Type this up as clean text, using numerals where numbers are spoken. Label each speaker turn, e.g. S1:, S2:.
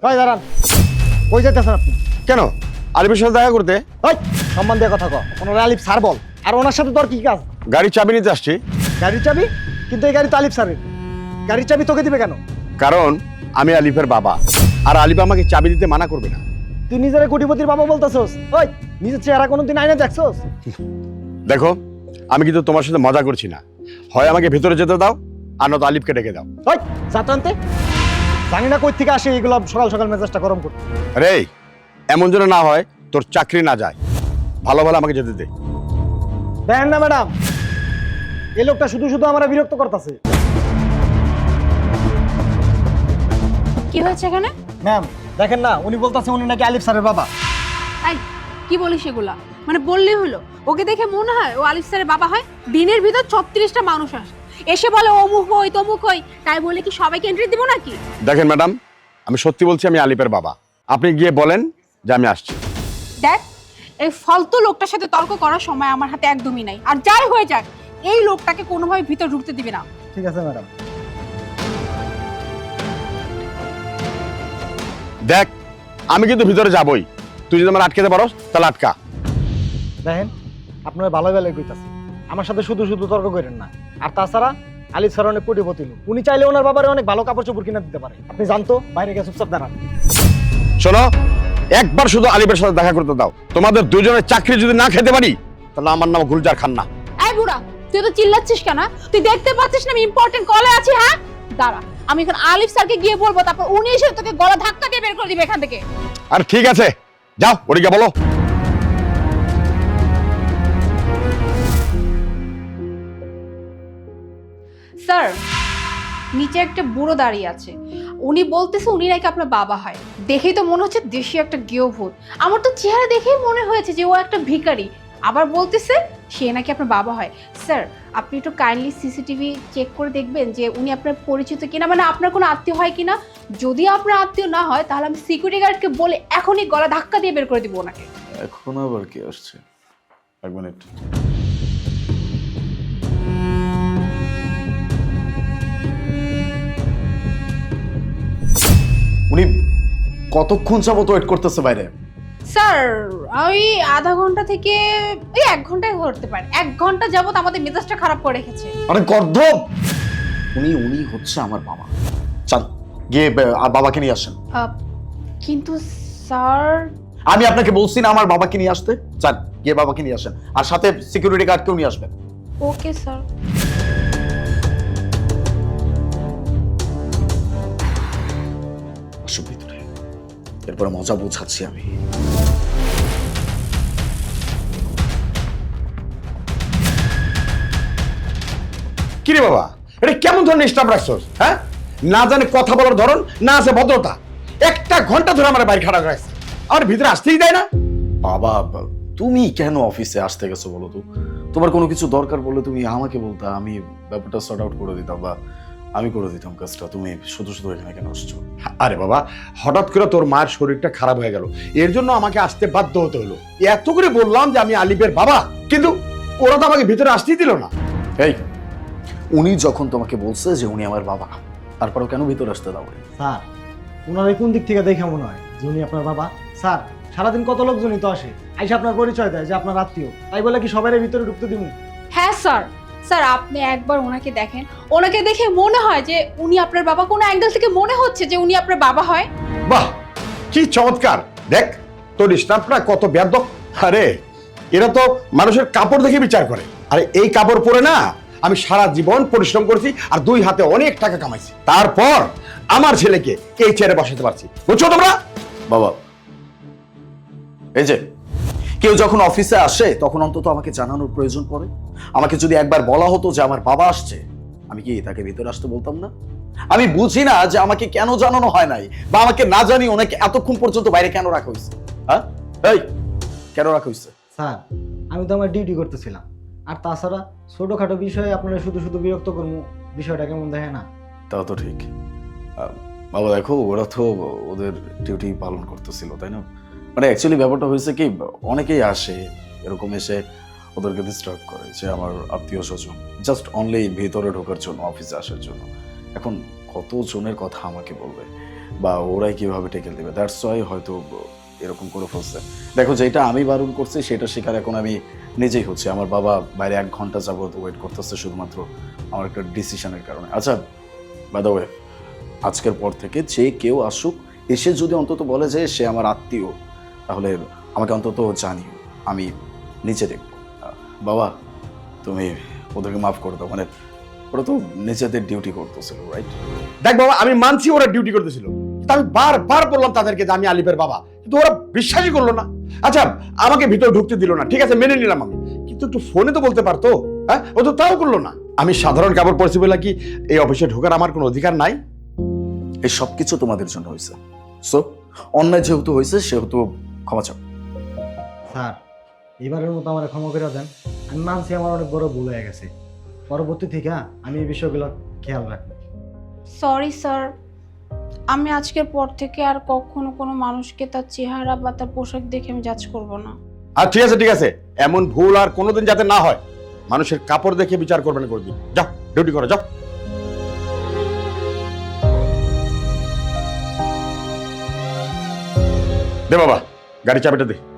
S1: কই দাঁড়ান, কই যাইতেছেন আপনি?
S2: কেন আলিফের সাথে দেখা করতে?
S1: ওই সম্মান দিয়ে কথা কও, ওনার আলিফ স্যার বল। আর ওনার সাথে তোর কি কাজ?
S2: গাড়ির চাবি নিতে আসছি।
S1: গাড়ির চাবি? কিন্তু এই গাড়ি তো আলিফ স্যারের, গাড়ির চাবি তোকে দিবে কেন?
S2: কারণ আমি আলিফের বাবা, আর আলিফ আমাকে চাবি দিতে মানা করবে না।
S1: তুই নিজের কোটিপতির বাবা বলতেছস? ওই নিজের চেহারা কোনোদিন আয়না দেখছস?
S2: দেখো, আমি কিন্তু তোমার সাথে মজা করছি না। হয় আমাকে ভেতরে যেতে দাও, আর নয়তো আলিফকে ডেকে দাও।
S1: ওই যাতান্তে, জানি না কই থেকে আসে এগুলো সকাল সকাল মেজাজটা গরম করতে।
S2: আরে এমন যেন না হয় তোর চাকরি না যায়। ভালো ভালো আমাকে যেতে দে।
S1: দেখেন না ম্যাডাম, এই লোকটা শুধু শুধু আমরা বিরক্ত করতেছে।
S3: কি হয়েছে এখানে?
S1: ম্যাম দেখেন না, উনি বলতেছে উনি নাকি আলিফ স্যারের বাবা।
S3: এই কি বলিস এগুলা? মানে বললেই হলো, ওকে দেখে মনে হয় ও আলিফ স্যারের বাবা হয়? দিনের ভিতর 36টা মানুষ আসে, এসে বলে অমুক হই তমুক হই, তাই বলে কি সবাইকে এন্ট্রি দিব নাকি?
S2: দেখেন ম্যাডাম, আমি সত্যি বলছি আমি আলিফের বাবা। আপনি গিয়ে বলেন যে আমি আসছি।
S3: দেখ, এই ফালতু লোকটার সাথে তর্ক করার সময় আমার হাতে একদমই নাই। আর যাই হয়ে যাক, এই লোকটাকে কোনোভাবে ভিতর ঢুকতে দিবি না।
S1: ঠিক আছে ম্যাডাম।
S2: দেখ, আমি কিন্তু ভিতরে যাবই। তুই যদি আমার আটকাতে পারো তাহলে আটকা।
S1: দেখেন আপনারা ভালো ভালো কইতাছে, আমার সাথে শুধু শুধু তর্ক করেন না। আর তাছাড়া আলিফ স্যার অনেক কোটিপতি লোক, উনি চাইলে ওনার বাবারে অনেক ভালো কাপড় চোপড় কিনে দিতে পারে। আপনি জানতো, বাইরে গিয়ে চুপচাপ দাঁড়ান।
S2: শোনো, একবার শুধু আলিফের সাথে দেখা করতে দাও। তোমাদের দুজনের চাকরি যদি না খেতে পারি তাহলে আমার নাম গুলজার খান না।
S3: এই বুড়া, তুই তো চিল্লাচ্ছিস কেন? তুই দেখতে পাচ্ছিস না আমি ইম্পর্টেন্ট কলে আছি? হ্যাঁ দাঁড়া, আমি এখন আলিফ স্যারকে গিয়ে বলবো, তারপর উনি এসে তোকে গলা ধাক্কা দিয়ে বের করে দিবে এখান থেকে।
S2: আর ঠিক আছে, যাও ওদিকে বলো।
S3: স্যার, নিচে একটা বুড়ো দাঁড়িয়ে আছে, উনি বলতেছে উনি নাকি আপনার বাবা হয়। দেখেই তো মনে হচ্ছে দেশি একটা গৃহভূত। আমার তো চেহারা দেখেই মনে হয়েছে যে ও একটা ভিখারি। আবার বলতেছে সে নাকি আপনার বাবা হয়। স্যার, আপনি একটু কাইন্ডলি সিসিটিভি চেক করে দেখবেন যে উনি আপনার পরিচিত কিনা, মানে আপনার কোনো আত্মীয় হয় কিনা। যদি আপনার আত্মীয় না হয় তাহলে আমি সিকিউরিটি গার্ডকে বলে এখনই গলা ধাক্কা দিয়ে বের করে দিব ওনাকে।
S4: এখন আবার কি আসছে? এক মিনিট। উনি কতক্ষণ যাবত ওয়েট করতেছে বাইরে?
S3: স্যার, ওই আধা ঘন্টা থেকে ওই 1 ঘন্টায় ধরতে পারে। 1 ঘন্টা যাবত আমাদের মেজাজটা খারাপ করে রেখেছে।
S4: আরে গর্ধব, উনি হচ্ছে আমার বাবা। চল গিয়ে বাবাকে নিয়ে আসেন।
S3: কিন্তু স্যার,
S4: আমি আপনাকে বলছি না আমার বাবাকে নিয়ে আসতে? চান গিয়ে বাবাকে নিয়ে আসেন, আর সাথে সিকিউরিটি গার্ডকেও নিয়ে আসবেন।
S3: Okay sir.
S4: আসো ভিতরে, এরপরে মজা বোঝাচ্ছি আমি।
S2: কিরে বাবা, এটা কেমন ধরনের স্টাফ রাখছস? হ্যাঁ, না জানে কথা বলার ধরন, না আছে ভদ্রতা। 1টা ঘন্টা ধরে আমার বাইরে খাড়া রাখছে, আমার ভিতরে আসতেই দেয় না।
S4: বাবা, তুমি কেন অফিসে আসতে গেছো বলো তো? তোমার কোনো কিছু দরকার বললে তুমি আমাকে বলতা, আমি ব্যাপারটা সর্ট আউট করে দিতাম, বা আমি করে দিতাম কাজটা। তুমি শুধু শুধু এখানে কেন আসছো?
S2: আরে বাবা, হঠাৎ করে তোর মায়ের শরীরটা খারাপ হয়ে গেল, এর জন্য আমাকে আসতে বাধ্য হতে হলো। এত করে বললাম যে আমি আলিফের বাবা, কিন্তু ওরা তো আমাকে ভিতরে আসতেই দিল না।
S4: এই, উনি যখন তোমাকে বলছে যে উনি আমার বাবা, তারপরেও কেন ভিতরে আসতে দাও?
S1: স্যার, ওনার কোন দিক থেকে দেখে মনে হয় যে উনি আপনার বাবা? স্যার, সারাদিন কত লোকজনই তো আসে, আইসা আপনার পরিচয় দেয় যে আপনার আত্মীয়, তাই বলে কি সবাই ভিতরে ঢুকতে দিব?
S3: হ্যাঁ স্যার, স্যার আপনি একবার ওনাকে দেখেন, ওনাকে দেখে মনে হয় যে উনি আপনার বাবা। কোন অ্যাঙ্গেল থেকে মনে হচ্ছে যে উনি আপনার বাবা হয়?
S2: বাহ, কি চমৎকার! দেখ তোর স্টাফরা কত বেয়াদব। আরে এরা তো মানুষের কাপড় দেখে বিচার করে। আরে এই কাপড় পরে না আমি সারা জীবন পরিশ্রম করেছি, আর 2 হাতে অনেক টাকা কামাইছি, তারপর আমার ছেলেকে এই চেয়ারে বসাতে পারছি। বুঝছো তোমরা?
S4: বাবা, এই যে কেউ যখন অফিসে আসে তখন অন্তত আমাকে জানানোর প্রয়োজন পড়ে। আমাকে যদি একবার বলা হতো যে আমার বাবা আসছে, আমি কি তাকে ভিতরে আসতে বলতাম না? আমি বুঝি না যে আমাকে কেন জানানো হয় নাই, বা আমাকে না জানি ওনাকে এতক্ষণ পর্যন্ত বাইরে কেন রাখা হয়েছে। হ্যাঁ, এই কেন রাখা হয়েছে?
S1: স্যার, আমি তো আমার ডিউটি করতেছিলাম। আর তাছাড়া ছোটখাটো বিষয়ে আপনারা শুধু শুধু বিরক্ত করবো, বিষয়টা কেমন দেখে না?
S4: তাও তো ঠিক। বাবা দেখো, ওরা তো ওদের ডিউটি পালন করতেছিল, তাই না? মানে অ্যাকচুয়ালি ব্যাপারটা হয়েছে কি, অনেকেই আসে এরকম, এসে ওদেরকে ডিস্টার্ব করে যে আমার আত্মীয় স্বজন, জাস্ট অনলি ভিতরে ঢোকার জন্য, অফিসে আসার জন্য। এখন কত জনের কথা আমাকে বলবে, বা ওরাই কিভাবে টেকেল দেবে, দ্যাটস ওয়াই হয়তো এরকম করে ফেলছে। দেখো, যেটা আমি বারণ করছি সেটা শিকার এখন আমি নিজেই হচ্ছে। আমার বাবা বাইরে 1 ঘন্টা যাবত ওয়েট করতেছে শুধুমাত্র আমার একটা ডিসিশনের কারণে। আচ্ছা, বাই দ্য ওয়ে, আজকের পর থেকে যে কেউ আসুক, এসে যদি অন্তত বলে যে সে আমার আত্মীয়, তাহলে আমাকে অন্তত জানিও, আমি নিচে দেখব। বাবা, তুমি ওদেরকে মাফ করে দাও, মানে ওরা তো নিজেদের ডিউটি করতেছিল, রাইট?
S2: দেখ বাবা, আমি মানছি ওরা ডিউটি করতেছিল, কিন্তু আমি বারবার বললাম তাদেরকে যে আমি আলিফের বাবা, কিন্তু ওরা বিশ্বাসই করলো না। আচ্ছা, আমাকে ভিতরে ঢুকতে দিল না, ঠিক আছে মেনে নিলাম আমি, কিন্তু একটু ফোনে তো বলতে পারতো। হ্যাঁ, ও তো তাও করলো না। আমি সাধারণ কাপড় পরছি বলে কি এই অফিসে ঢোকার আমার কোনো অধিকার নাই?
S4: এই সব কিছু তোমাদের জন্য হয়েছে। সো অন্যায় যেহেতু হয়েছে সেহেতু ক্ষমা চাও।
S1: স্যার, এবারের মতো আমার ক্ষমা করে দেন। আমি মানছি আমার অনেক বড় ভুল হয়ে গেছে। পরবর্তী থেকে আমি এই বিষয়গুলো খেয়াল রাখবো।
S3: সরি স্যার, আমি আজকের পর থেকে আর কখনো কোনো মানুষকে তার চেহারা বা তার পোশাক দেখে আমি জাজ করব না।
S2: আর ঠিক আছে ঠিক আছে, এমন ভুল আর কোনোদিন যাতে না হয়। মানুষের কাপড় দেখে বিচার করবেন করে দিন। যাও ডিউটি করো, যাও। দে বাবা, গাড়ি চাবিটা দে।